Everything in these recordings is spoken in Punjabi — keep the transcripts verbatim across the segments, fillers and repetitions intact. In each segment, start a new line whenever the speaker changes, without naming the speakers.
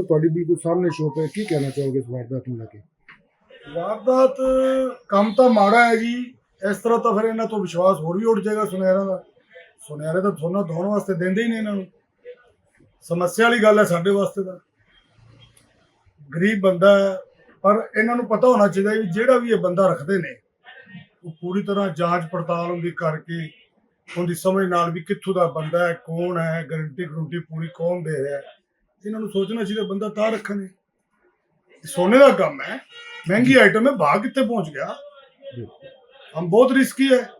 ਤੁਹਾਡੀ ਬਿਲਕੁਲ ਸਾਹਮਣੇ ਸ਼ੋਪ ਹੈ, ਕੀ ਕਹਿਣਾ ਚਾਹੋਗੇ ਇਸ ਵਾਰਦਾਤ ਨੂੰ ਲੈ ਕੇ?
ਵਾਰਦਾਤ ਕੰਮ ਤਾਂ ਮਾੜਾ ਹੈ ਜੀ। ਇਸ ਤਰ੍ਹਾਂ ਤਾਂ ਫਿਰ ਇਹਨਾਂ ਤੋਂ ਵਿਸ਼ਵਾਸ ਹੋਰ ਵੀ ਉੱਡ ਜਾਏਗਾ ਸੁਨਿਆਰਾਂ ਦਾ। ਸੁਨਿਆਰੇ ਤਾਂ ਸੋਨਾ ਧੋਣ ਵਾਸਤੇ ਦਿੰਦੇ ਹੀ ਨਹੀਂ ਇਹਨਾਂ ਨੂੰ। ਸਮੱਸਿਆ ਵਾਲੀ ਗੱਲ ਹੈ ਸਾਡੇ ਵਾਸਤੇ ਤਾਂ। ਗਰੀਬ ਬੰਦਾ ਹੈ, ਪਰ ਇਹਨਾਂ ਨੂੰ ਪਤਾ ਹੋਣਾ ਚਾਹੀਦਾ ਵੀ ਜਿਹੜਾ ਵੀ ਇਹ ਬੰਦਾ ਰੱਖਦੇ ਨੇ ਉਹ ਪੂਰੀ ਤਰ੍ਹਾਂ ਜਾਂਚ ਪੜਤਾਲ ਉਹਦੀ ਕਰਕੇ ਉਹਦੀ ਸਮਝ ਨਾਲ ਵੀ ਕਿੱਥੋਂ ਦਾ ਬੰਦਾ ਹੈ, ਕੌਣ ਹੈ, ਗਰੰਟੀ ਗਰੰਟੀ ਪੂਰੀ ਕੌਣ ਦੇ ਰਿਹਾ ਹੈ। ਇਹਨਾਂ ਨੂੰ ਸੋਚਣਾ ਚਾਹੀਦਾ ਬੰਦਾ ਤਾਂ ਰੱਖਣੇ। ਸੋਨੇ ਦਾ ਕੰਮ ਹੈ, ਮਹਿੰਗੀ ਆइटम है, भाग कितने पहुंच गया। हम बहुत रिस्की है।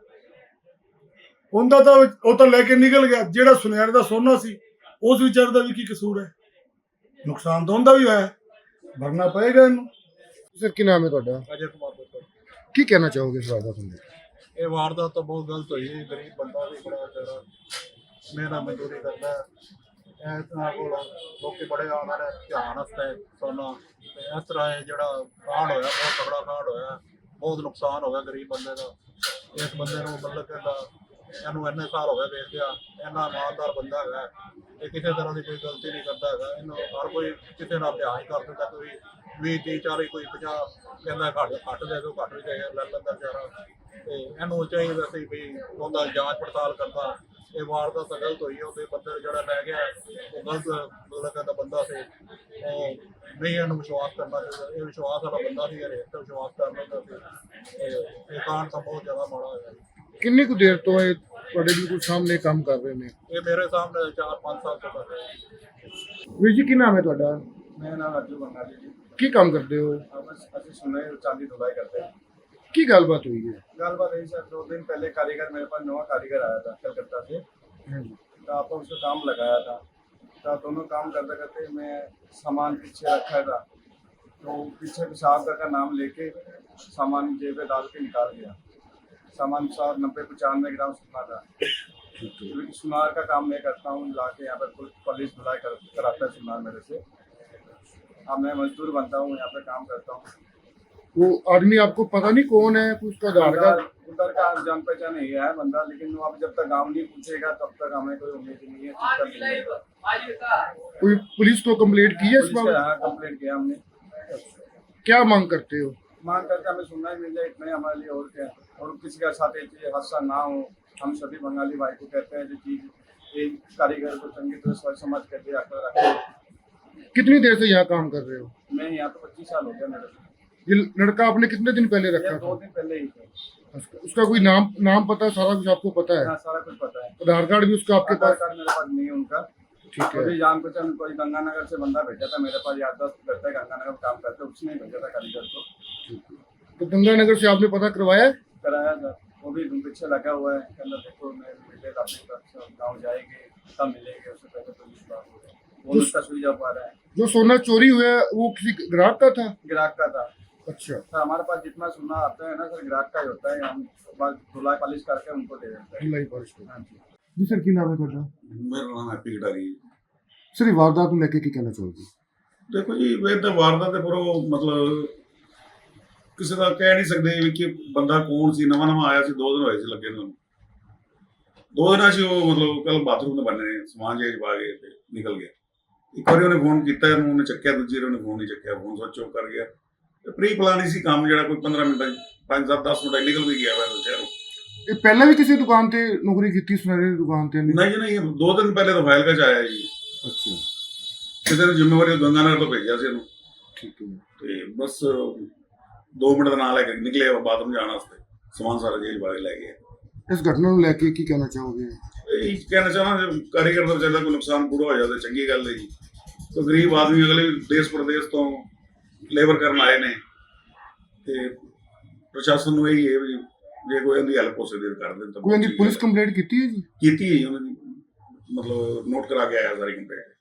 ਉਹਦਾ ਤਾਂ ਉਹ ਤਾਂ ਲੈ ਕੇ ਨਿਕਲ ਗਿਆ। ਜਿਹੜਾ ਸੁਨਿਆਰੇ ਦਾ ਸੋਨਾ ਸੀ ਉਸ ਵਿਚਾਰ ਦਾ ਵੀ ਕੀ ਕਸੂਰ ਹੈ? ਨੁਕਸਾਨ ਤਾਂ ਉਹਦਾ ਵੀ ਹੋਇਆ, ਭਰਨਾ ਪਏਗਾ ਇਹਨੂੰ।
ਸਰ ਕੀ ਨਾਮ ਹੈ ਤੁਹਾਡਾ?
ਅਜੇ ਕੁਮਾਰ ਪੁੱਤਰ।
ਕੀ ਕਹਿਣਾ ਚਾਹੋਗੇ ਇਸ ਵਾਰਦਾਤ ਨੂੰ?
ਇਹ ਵਾਰਦਾਤ ਤਾਂ ਬਹੁਤ ਗਲਤ ਹੋਈ। ਗਰੀਬ ਬੰਦਾ ਵੀ ਬੜਾ ਵਿਚਾਰਾ ਮਿਹਨਤ ਮਜ਼ਦੂਰੀ ਕਰਦਾ ਹੈ। ਇਸ ਤਰ੍ਹਾਂ ਕੋਲ ਲੋਕੀ ਬੜੇ ਆਉਂਦੇ ਨੇ ਧਿਆਨ ਵਾਸਤੇ ਸੋਨਾ। ਤੇ ਇਸ ਤਰ੍ਹਾਂ ਇਹ ਜਿਹੜਾ ਕਾਂਡ ਹੋਇਆ ਬਹੁਤ ਤਗੜਾ ਕਾਂਡ ਹੋਇਆ, ਬਹੁਤ ਨੁਕਸਾਨ ਹੋ ਗਿਆ ਗਰੀਬ ਬੰਦੇ ਦਾ। ਇਸ ਬੰਦੇ ਨੂੰ ਮਤਲਬ ਕਹਿੰਦਾ ਇਹਨੂੰ ਇੰਨੇ ਸਾਲ ਹੋ ਗਏ ਵੇਚਦਿਆਂ, ਇੰਨਾ ਇਮਾਨਦਾਰ ਬੰਦਾ ਹੈਗਾ, ਇਹ ਕਿਸੇ ਤਰ੍ਹਾਂ ਦੀ ਕੋਈ ਗਲਤੀ ਨਹੀਂ ਕਰਦਾ ਹੈਗਾ। ਇਹਨੂੰ ਹਰ ਕੋਈ ਕਿਸੇ ਨਾਲ ਪਿਆਰ ਹੀ ਕਰ ਦਿੰਦਾ। ਕੋਈ ਵੀਹ ਤੀਹ ਚਾਲੀ ਕੋਈ ਪੰਜਾਹ ਕਹਿੰਦਾ ਘੱਟ ਘੱਟ ਦੇ ਦਿਓ, ਘੱਟ ਵੀ ਦੇ ਲੈ ਲੈਂਦਾ ਵਿਚਾਰਾ। ਤੇ ਇਹਨੂੰ ਚਾਹੀਦਾ ਸੀ ਵੀ ਉਹਦਾ ਜਾਂਚ ਪੜਤਾਲ ਕਰਦਾ। ਇਹ ਵਾਰਦਾਤ ਤਾਂ ਗਲਤ ਹੋਈ। ਉਹਦੇ ਬੰਦੇ ਜਿਹੜਾ ਲੈ ਗਿਆ ਉਹ ਗਲਤ ਮਤਲਬ ਕਹਿੰਦਾ ਬੰਦਾ ਸੀ, ਉਹ ਨਹੀਂ ਇਹਨੂੰ ਵਿਸ਼ਵਾਸ ਕਰਨਾ ਚਾਹੀਦਾ। ਇਹ ਵਿਸ਼ਵਾਸ ਵਾਲਾ ਬੰਦਾ ਸੀ, ਹਰੇਕ ਤੇ ਵਿਸ਼ਵਾਸ ਕਰ ਲੈਂਦਾ ਸੀ। ਇਹ ਕਾਂਡ ਤਾਂ ਬਹੁਤ ਜ਼ਿਆਦਾ ਮਾੜਾ ਹੋਇਆ।
ਕਿੰਨੀ ਕੁ ਦੇਰ ਤੋਂ ਇਹ ਤੁਹਾਡੇ ਬਿਲਕੁਲ ਸਾਹਮਣੇ ਕੰਮ ਕਰ ਰਹੇ ਨੇ?
ਇਹ ਮੇਰੇ ਸਾਹਮਣੇ ਚਾਰ ਪੰਜ ਸਾਲ ਤੋਂ ਕਰ ਰਹੇ।
ਵੀਰ ਜੀ ਕੀ ਨਾਮ ਹੈ ਤੁਹਾਡਾ?
मेरा नाम अज्जू बंगाली जी।
ਕੀ ਕੰਮ ਕਰਦੇ ਹੋ?
बस असं सुने चांदी धुलाई करते हैं।
ਕੀ ਗੱਲਬਾਤ ਹੋਈ ਹੈ?
गलबात यही सर, दो दिन पहले कारीगर मेरे पास नवा कारीगर आया था कलकत्ता से। तो आपको उसको काम लगाया था। तो दोनों काम करते करते मैं सामान पीछे रखा था, तो पीछे पेशाब का नाम लेके सामान जेब में डाल के निकाल गया। सामान सौ नब्बे पचानवे ग्राम सोना था। क्योंकि सुनार का काम मैं करता हूँ, लाके यहाँ पर पुलिस धुलाई कर, कराता है सुनार मेरे से। अब मैं मजदूर बनता हूँ, यहाँ पे काम करता हूँ।
वो आदमी आपको पता नहीं कौन है? उसका आधार कार्ड?
उधर का जान पहचान नहीं है बंदा, लेकिन वो अब जब तक गाँव नहीं पूछेगा तब तक हमें कोई उम्मीद नहीं है। चुप कर लेंगे।
कोई पुलिस को कंप्लेंट की है इस
पुलिस के
बाबत?
यहाँ कंप्लेंट किया हमने।
क्या मांग करते हो?
मांग करके हमें सुनना ही मिल जाए, इतना ही हमारे लिए और क्या। और किसी का साथ ये हादसा ना हो। हम सभी बंगाली भाई को कहते हैं जो चीज एक कारीगर को चंगी तरह सोच समझ करके रखें।
कितनी देर से यहाँ काम कर रहे हो?
मैं यहाँ पे पच्चीस साल हो गया मेरे से।
ये लड़का आपने कितने दिन पहले
ये
रखा
दो
था?
दिन पहले ही थे।
उसका उसका कोई नाम नाम पता, सारा कुछ आपको पता है?
हाँ, सारा कुछ पता है।
आधार कार्ड भी उसका आपके
आधार
पास?
कार्ड मेरे पास नहीं है उनका।
ठीक है।
अभी जान पहचान कोई गंगानगर से बंदा भेजा था मेरे पास, याददाश्त करता है गंगानगर में काम करते, उसने ही भेजा था कारीगर को।
तो गंगानगर से आपने पता करवाया?
कराया था, वो भी पीछे लगा हुआ है। कहना देखो मैं मिले अपने गाँव जाएंगे तब मिलेंगे, उससे पहले तो विश्वास हो गया। वो उसका सुई जा पा रहा है।
जो सोना चोरी हुआ है वो किसी ग्राहक का था?
ग्राहक का था।
अच्छा
सर हमारे पास जितना सोना आता है ना सर, ग्राहक का ही होता है। हम बस धुलाई पॉलिश करके उनको दे देते हैं।
ढिलाई पॉलिश को। जी सर की नाम है ਤੁਹਾਡਾ?
ਮੇਰਾ ਨਾਮ ਹੈਪੀ ਗਡਾਰੀ।
ਸਰ ਇਹ ਵਾਰਦਾਤ ਨੂੰ ਲੈ ਕੇ ਕੀ ਕਹਿਣਾ ਚਾਹੋਗੇ?
ਦੇਖੋ ਜੀ ਇਹ ਤਾਂ ਵਾਰਦਾਤ ਤੇ ਪੂਰਾ ਮਤਲਬ ਕਿਸੇ ਦਾ ਕਹਿ ਨਹੀਂ ਸਕਦੇ ਵੀ ਕਿ ਬੰਦਾ ਕੌਣ ਸੀ। ਨਵਾਂ ਨਵਾਂ ਆਇਆ ਸੀ, ਦੋ ਦਿਨ ਹੋਏ ਸੀ ਲੱਗੇ ਨੂੰ। ਦੋ ਦਿਨਾਂ 'ਚ ਉਹ ਮਤਲਬ ਕੱਲ ਬਾਥਰੂਮ ਦੇ ਬੰਨੇ ਸਮਾਨ ਜੇ ਪਾ ਕੇ ਤੇ ਨਿਕਲ ਗਿਆ। ਇੱਕ ਵਾਰੀ ਉਹਨੇ ਫੋਨ ਕੀਤਾ, ਇਹਨੂੰ ਉਹਨੇ ਚੱਕਿਆ, ਦੂਜੀ ਵਾਰੀ ਉਹਨੇ ਫੋਨ ਨਹੀਂ ਚੱਕਿਆ, ਫੋਨ ਸਵਿਚ ਆਫ ਕਰ ਗਿਆ। ਤੇ ਪ੍ਰੀ ਪਲਾਨ ਹੀ ਸੀ ਕੰਮ, ਜਿਹੜਾ ਕੋਈ ਪੰਦਰਾਂ ਮਿੰਟਾਂ 'ਚ ਪੰਜ ਸੱਤ ਦਸ ਮਿੰਟਾਂ ਨਿਕਲ ਵੀ ਗਿਆ। ਮੈਂ ਸੋਚਿਆ
ਇਹ ਪਹਿਲਾਂ ਵੀ ਕਿਸੇ ਦੁਕਾਨ ਤੇ ਨੌਕਰੀ ਕੀਤੀ? ਸੁਨਹਿਰੇ ਦੀ ਦੁਕਾਨ ਤੇ?
ਨਹੀਂ ਜੀ ਨਹੀਂ, ਦੋ ਦਿਨ ਪਹਿਲੇ ਤਾਂ ਫਾਈਲ ਕਚ ਆਇਆ ਜੀ।
ਅੱਛਾ।
ਕਿਸੇ ਨੇ ਜ਼ਿੰਮੇਵਾਰੀ ਗੰਗਾਨਗਰ ਤੋਂ ਭੇਜਿਆ ਸੀ ਇਹਨੂੰ।
ਠੀਕ ਹੈ।
ਤੇ ਬਸ ਦੋ ਮਿੰਟ ਦਾ ਨਾਲ ਲੈ ਕੇ ਨਿਕਲੇ ਬਾਥਰੂਮ ਜਾਣ ਵਾਸਤੇ, ਸਮਾਨ ਸਾਰਾ ਜੇਲ੍ਹ ਵਾਲੇ ਲੈ ਗਏ।
ਇਸ ਘਟਨਾ ਨੂੰ ਲੈ ਕੇ ਕੀ ਕਹਿਣਾ ਚਾਹੋਗੇ?
ਇਹ ਕਹਿਣਾ ਚਾਹੁੰਦਾ ਜੇ ਕਾਰੀਗਰ ਦਾ ਵਿਚਾਰਾ ਕੋਈ ਨੁਕਸਾਨ ਪੂਰਾ ਹੋ ਜਾਵੇ ਚੰਗੀ ਗੱਲ ਹੈ ਜੀ। ਤੇ ਗਰੀਬ ਆਦਮੀ ਅਗਲੇ ਦੇਸ਼ ਪ੍ਰਦੇਸ਼ ਤੋਂ ਲੇਬਰ ਕਰਨ ਆਏ ਨੇ, ਤੇ ਪ੍ਰਸ਼ਾਸਨ ਨੂੰ ਇਹੀ ਹੈ ਵੀ ਜੇ ਕੋਈ ਇਹਦੀ ਹੈਲਪ ਹੋ ਸਕਦੀ ਕਰ ਦੇਣ ਤਾਂ।
ਕੋਈ ਇਹਦੀ ਪੁਲਿਸ ਕੰਪਲੇਂਟ ਕੀਤੀ ਹੈ ਜੀ?
ਕੀਤੀ ਹੈ ਜੀ ਉਹਨਾਂ ਦੀ, ਮਤਲਬ ਨੋਟ ਕਰਾ ਕੇ ਆਇਆ ਸਾਰੀ ਕੰਪਲੇਂਟ।